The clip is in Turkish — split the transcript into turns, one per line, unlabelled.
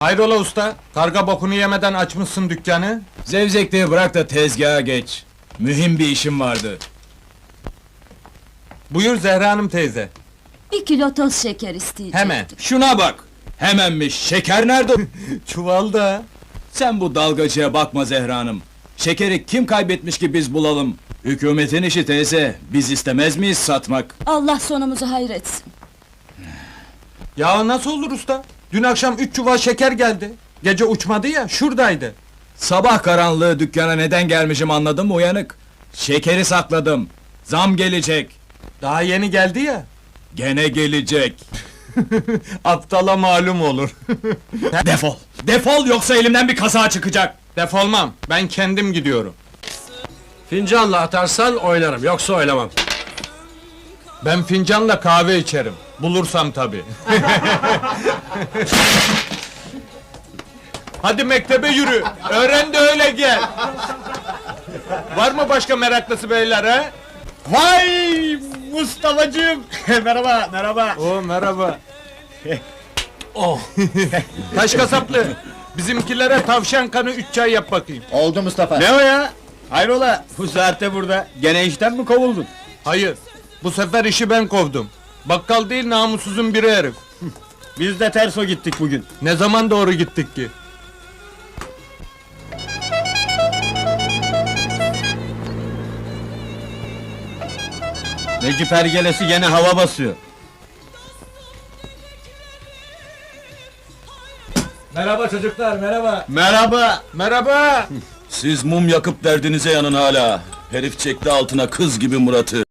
Hayrola usta? Karga bokunu yemeden açmışsın dükkanı.
Zevzekliği bırak da tezgaha geç. Mühim bir işim vardı.
Buyur Zehra Hanım teyze.
1 kilo toz şeker isteyecektim.
Hemen.
Şuna bak! Hemenmiş, şeker nerede?
Çuvalda.
Sen bu dalgacıya bakma Zehra Hanım. Şekeri kim kaybetmiş ki biz bulalım? Hükümetin işi teyze, biz istemez miyiz satmak?
Allah sonumuzu hayretsin.
Ya nasıl olur usta? Dün akşam 3 çuval şeker geldi. Gece uçmadı ya, şuradaydı.
Sabah karanlığı dükkana neden gelmişim anladın mı uyanık? Şekeri sakladım. Zam gelecek.
Daha yeni geldi ya.
Gene gelecek.
Aptala malum olur.
Defol! Defol yoksa elimden bir kaza çıkacak!
Defolmam, ben kendim gidiyorum.
Fincanla atarsan oynarım, yoksa oynamam.
Ben fincanla kahve içerim. Bulursam tabii. Hadi mektebe yürü. Öğren de öyle gel. Var mı başka meraklısı beyler ha?
Vay Mustafa'cığım! Merhaba, merhaba!
Oo merhaba. Oh. Taş kasaplı. Bizimkilere tavşan kanı 3 çay yap bakayım.
Oldu Mustafa.
Ne o ya? Hayrola, bu saatte burada? Gene işten mi kovuldun?
Hayır. Bu sefer işi ben kovdum. Bakkal değil namussuzun biri herif.
Biz de terso gittik bugün.
Ne zaman doğru gittik ki?
Necip Ergelesi gene hava basıyor. Merhaba çocuklar, merhaba.
Merhaba. Merhaba.
Siz mum yakıp derdinize yanın hala. Herif çekti altına kız gibi Murat'ı.